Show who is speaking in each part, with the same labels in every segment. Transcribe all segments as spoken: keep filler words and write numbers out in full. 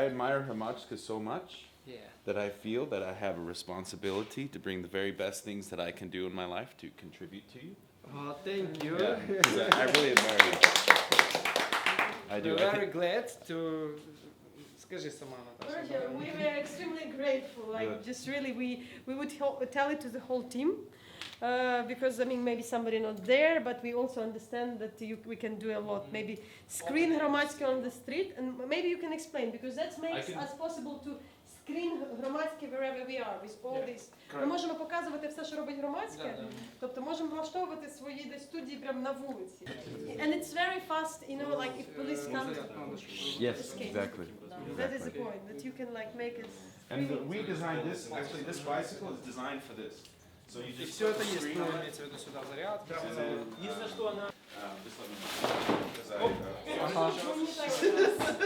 Speaker 1: admire Hromadske so much
Speaker 2: Yeah.
Speaker 1: that I feel that I have a responsibility to bring the very best things that I can do in my life to contribute to you.
Speaker 2: Oh, thank you.
Speaker 1: Yeah, 'cause I, I really admire you. I do.
Speaker 2: We're
Speaker 1: I
Speaker 2: very
Speaker 1: think,
Speaker 2: glad to... Скажи сама, Наташа.
Speaker 3: Georgia, we were extremely grateful. Like,
Speaker 1: Good.
Speaker 3: just really, we we would hel- tell it to the whole team, uh, because I mean, maybe somebody not there, but we also understand that you, we can do a lot. Maybe screen Hromadske on the street, and maybe you can explain, because that makes
Speaker 1: can-
Speaker 3: us possible to screen Hromadske wherever we are with all
Speaker 2: Yeah.
Speaker 3: this. Ми можемо показувати все, що робить Громадське,
Speaker 2: Да, да.
Speaker 3: тобто можемо влаштовувати свої десь студії прямо на вулиці. And it's very fast, you know, like if police come.
Speaker 1: yes,
Speaker 3: Escape.
Speaker 1: exactly.
Speaker 3: That is the point, that you can like make it.
Speaker 1: And the, we designed this. Actually, this bicycle is designed for this. So you
Speaker 2: И
Speaker 1: just
Speaker 2: все
Speaker 1: put
Speaker 2: это
Speaker 1: the
Speaker 2: есть,
Speaker 1: screen
Speaker 2: ну,
Speaker 1: on it,
Speaker 2: имеется в виду сюда заряд.
Speaker 1: and then,
Speaker 4: Единственное, что она...
Speaker 1: um, just let me know. 'Cause I, uh,
Speaker 2: Ага.
Speaker 3: Ну, не так.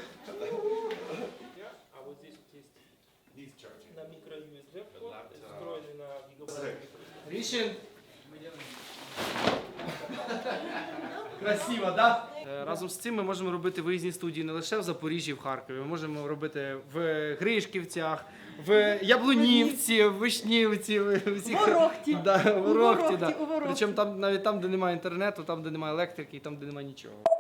Speaker 4: А вот здесь вот есть
Speaker 1: he's charging.
Speaker 4: на микро-ю эс би вход, встроенный на гигабайт.
Speaker 2: Рішень. Красиво, да? Разом з цим ми можемо робити виїзні студії не лише в Запоріжжі, в Харкові. Ми можемо робити в Гришківцях, в Яблунівці, в Вишнівці, в усіх-
Speaker 3: Ворохті.
Speaker 2: Да, в
Speaker 3: У
Speaker 2: Ворохті,
Speaker 3: Ворохті,
Speaker 2: да.
Speaker 3: у Ворохті.
Speaker 2: Причому там навіть там, де немає інтернету, там, де немає електрики, і там, де немає нічого.